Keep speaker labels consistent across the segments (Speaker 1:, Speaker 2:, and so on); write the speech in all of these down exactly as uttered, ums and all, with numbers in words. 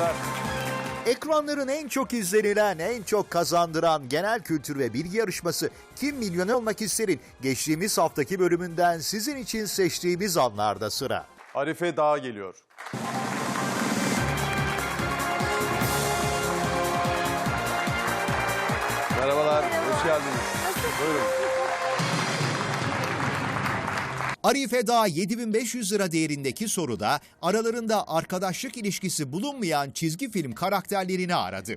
Speaker 1: seyirciler.
Speaker 2: Ekranların en çok izlenilen, en çok kazandıran genel kültür ve bilgi yarışması Kim Milyoner Olmak İster'in geçtiğimiz haftaki bölümünden sizin için seçtiğimiz anlarda sıra.
Speaker 1: Arife Dağ geliyor. Merhabalar, hoş geldiniz. Buyurun.
Speaker 2: Arife Dağ yedi bin beş yüz lira değerindeki soruda aralarında arkadaşlık ilişkisi bulunmayan çizgi film karakterlerini aradı.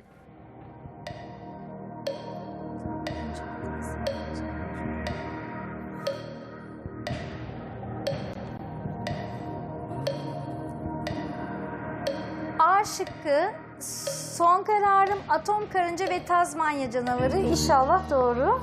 Speaker 3: A şıkkı, son kararım Atom Karınca ve Tazmanya Canavarı. İnşallah doğru.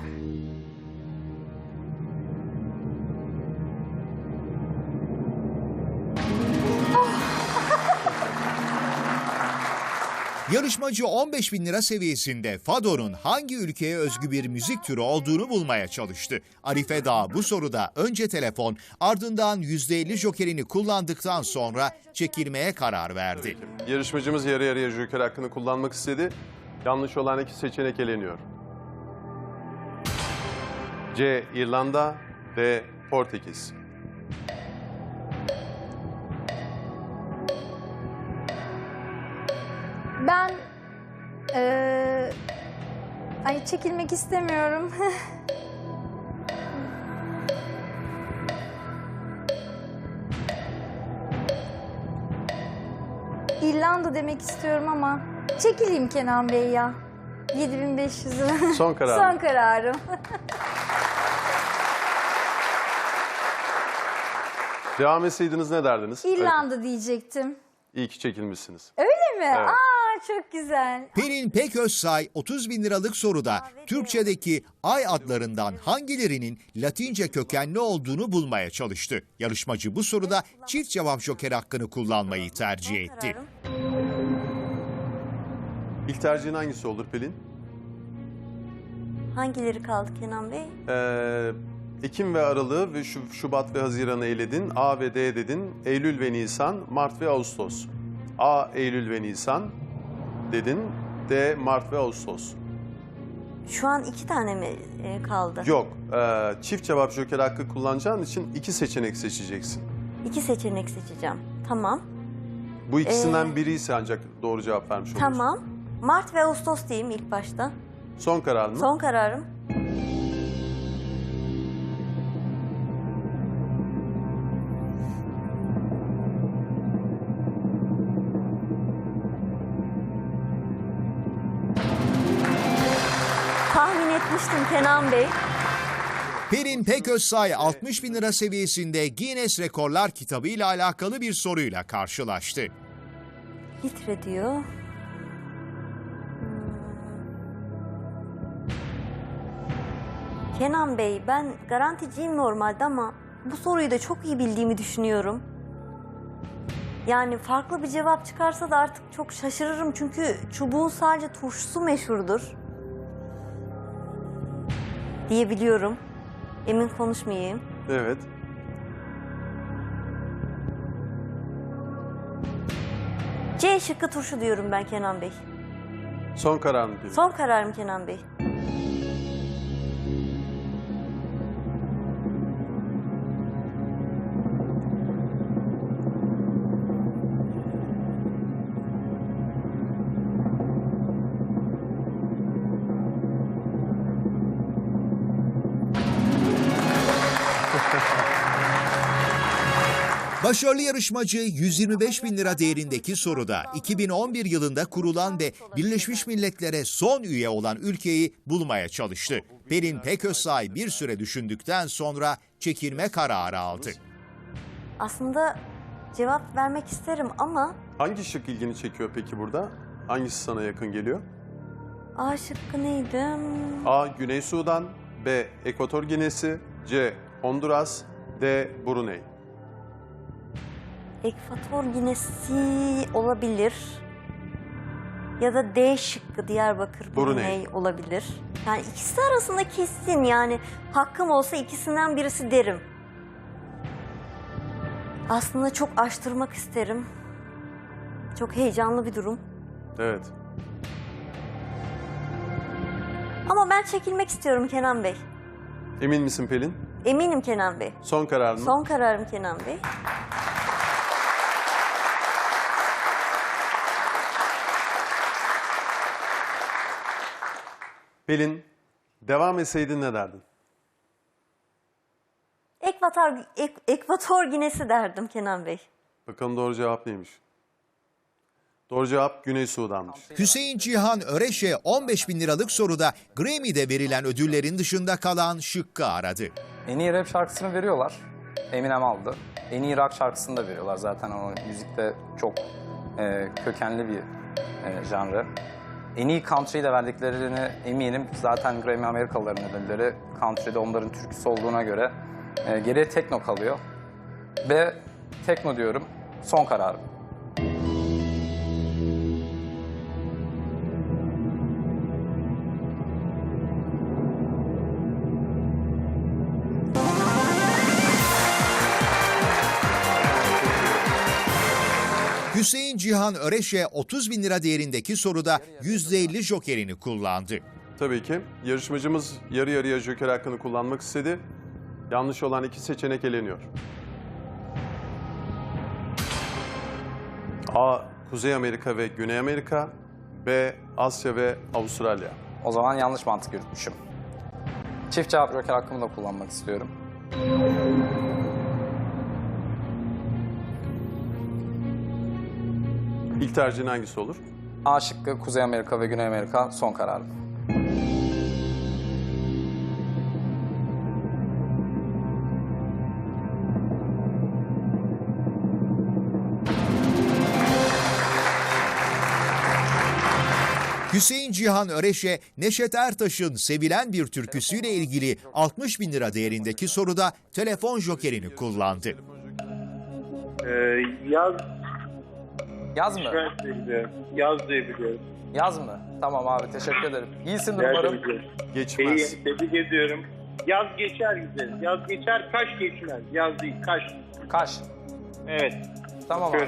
Speaker 2: Yarışmacı on beş bin lira seviyesinde Fado'nun hangi ülkeye özgü bir müzik türü olduğunu bulmaya çalıştı. Arife Dağ bu soruda önce telefon, ardından yüzde elli jokerini kullandıktan sonra çekilmeye karar verdi.
Speaker 1: Yarışmacımız yarı yarıya joker hakkını kullanmak istedi. Yanlış olan iki seçenek eleniyor. C. İrlanda, D. Portekiz.
Speaker 3: Ben eee ay çekilmek istemiyorum. İrlanda demek istiyorum ama çekileyim Kenan Bey ya. yedi bin beş yüz lira.
Speaker 1: Son kararım.
Speaker 3: Son kararım.
Speaker 1: Devam etseydiniz ne derdiniz?
Speaker 3: İrlanda diyecektim.
Speaker 1: İyi ki çekilmişsiniz.
Speaker 3: Öyle mi?
Speaker 1: Evet.
Speaker 3: Aa çok güzel.
Speaker 2: Pelin Peközsay otuz bin liralık soruda Türkçedeki ay adlarından hangilerinin Latince kökenli olduğunu bulmaya çalıştı. Yarışmacı bu soruda çift cevap joker hakkını kullanmayı tercih etti.
Speaker 1: İlk tercihin hangisi olur Pelin?
Speaker 4: Hangileri kaldı Kenan Bey?
Speaker 1: Ee, Ekim ve Aralık'ı ve Şub- Şubat ve Haziran'ı eledin. A ve D dedin. Eylül ve Nisan, Mart ve Ağustos. A. Eylül ve Nisan dedin. D. Mart ve Ağustos.
Speaker 4: Şu an iki tane mi e, kaldı?
Speaker 1: Yok. e, çift cevap joker hakkı kullanacağın için iki seçenek seçeceksin.
Speaker 4: İki seçenek seçeceğim. Tamam.
Speaker 1: Bu ikisinden
Speaker 4: Ee,
Speaker 1: biri ise ancak doğru cevap vermiş olursun.
Speaker 4: Tamam. Mart ve Ağustos diyeyim ilk başta.
Speaker 1: Son karar mı?
Speaker 4: Son kararım. Tahmin etmiştim Kenan Bey.
Speaker 2: Pelin Peközsay altmış bin lira seviyesinde Guinness Rekorlar kitabı ile alakalı bir soruyla karşılaştı.
Speaker 4: Litre diyor. Hmm. Kenan Bey, ben garanticiyim normalde ama bu soruyu da çok iyi bildiğimi düşünüyorum. Yani farklı bir cevap çıkarsa da artık çok şaşırırım çünkü çubuğun sadece turşusu meşhurdur diyebiliyorum. Emin konuşmayayım.
Speaker 1: Evet.
Speaker 4: C şıkkı turşu diyorum ben Kenan Bey.
Speaker 1: Son karar mı Pelin?
Speaker 4: Son kararım Kenan Bey.
Speaker 2: Başarılı yarışmacı yüz yirmi beş bin lira değerindeki soruda iki bin on bir yılında kurulan ve Birleşmiş Milletler'e son üye olan ülkeyi bulmaya çalıştı. Pelin Peközsay bir süre düşündükten sonra çekilme kararı aldı.
Speaker 4: Aslında cevap vermek isterim ama
Speaker 1: Hangi şık ilgini çekiyor peki burada? Hangisi sana yakın geliyor?
Speaker 4: A şıkkı neydi?
Speaker 1: A. Güney Sudan, B. Ekvator Ginesi, C. Honduras, D. Brunei.
Speaker 4: Ekvator Ginesi olabilir. Ya da D şıkkı Diyarbakır
Speaker 1: Brunei.
Speaker 4: Brunei olabilir. Yani ikisi arasında kesin, yani hakkım olsa ikisinden birisi derim. Aslında çok araştırmak isterim. Çok heyecanlı bir durum.
Speaker 1: Evet.
Speaker 4: Ama ben çekilmek istiyorum Kenan Bey.
Speaker 1: Emin misin Pelin?
Speaker 4: Eminim Kenan Bey.
Speaker 1: Son karar mı?
Speaker 4: Son kararım Kenan Bey.
Speaker 1: Pelin, devam etseydin ne derdin?
Speaker 4: Ekvator, ek, Ekvator Ginesi derdim Kenan Bey.
Speaker 1: Bakalım doğru cevap neymiş? Doğru cevap Güney Sudan'mış.
Speaker 2: Hüseyin Cihan Öreş'e on beş bin liralık soruda Grammy'de verilen ödüllerin dışında kalan şıkkı aradı.
Speaker 5: En iyi rap şarkısını veriyorlar. Eminem aldı. En iyi rock şarkısını da veriyorlar. Zaten o müzikte çok e, kökenli bir e, janrı. En iyi country'yi de verdiklerini eminim. Zaten Grammy Amerikalıların ödülleri country'de onların türküsü olduğuna göre e, geriye tekno kalıyor. Ve tekno diyorum, son kararım.
Speaker 2: Hüseyin Cihan Öreş'e otuz bin lira değerindeki soruda yüzde elli jokerini kullandı.
Speaker 1: Tabii ki. Yarışmacımız yarı yarıya joker hakkını kullanmak istedi. Yanlış olan iki seçenek eleniyor. A. Kuzey Amerika ve Güney Amerika. B. Asya ve Avustralya.
Speaker 5: O zaman yanlış mantık yürütmüşüm. Çift cevap joker hakkımı da kullanmak istiyorum.
Speaker 1: İlk tercihin hangisi olur?
Speaker 5: A şıkkı Kuzey Amerika ve Güney Amerika son kararım.
Speaker 2: Hüseyin Cihan Öreş'e Neşet Ertaş'ın sevilen bir türküsüyle ilgili altmış bin lira değerindeki soruda telefon jokerini kullandı.
Speaker 6: Ee, yaz,
Speaker 5: Yaz mı?
Speaker 6: yaz diye biliyorum. Yaz diye biliyorum.
Speaker 5: Yaz mı? Tamam abi, teşekkür ederim. İyisindir
Speaker 6: Yaz
Speaker 5: umarım.
Speaker 6: diye biliyorum.
Speaker 1: Geçmez.
Speaker 6: İyi, tebrik ediyorum. Yaz geçer güzel. Yaz geçer, kaş geçmez. Yaz değil, kaş.
Speaker 5: Kaş.
Speaker 6: Evet.
Speaker 5: Tamam abi.
Speaker 6: Şöyle.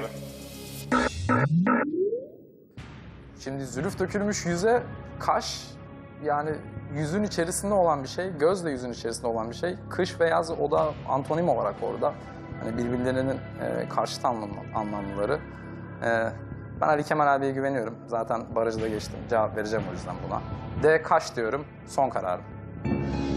Speaker 5: Şimdi zülüf dökülmüş yüze kaş, yani yüzün içerisinde olan bir şey, göz de yüzün içerisinde olan bir şey. Kış ve yaz o da antonim olarak orada. Hani birbirlerinin e, karşıt anlam, anlamlıları. E, ben Ali Kemal abiye güveniyorum. Zaten barajı da geçtim. Cevap vereceğim o yüzden buna. D kaş diyorum. Son kararım.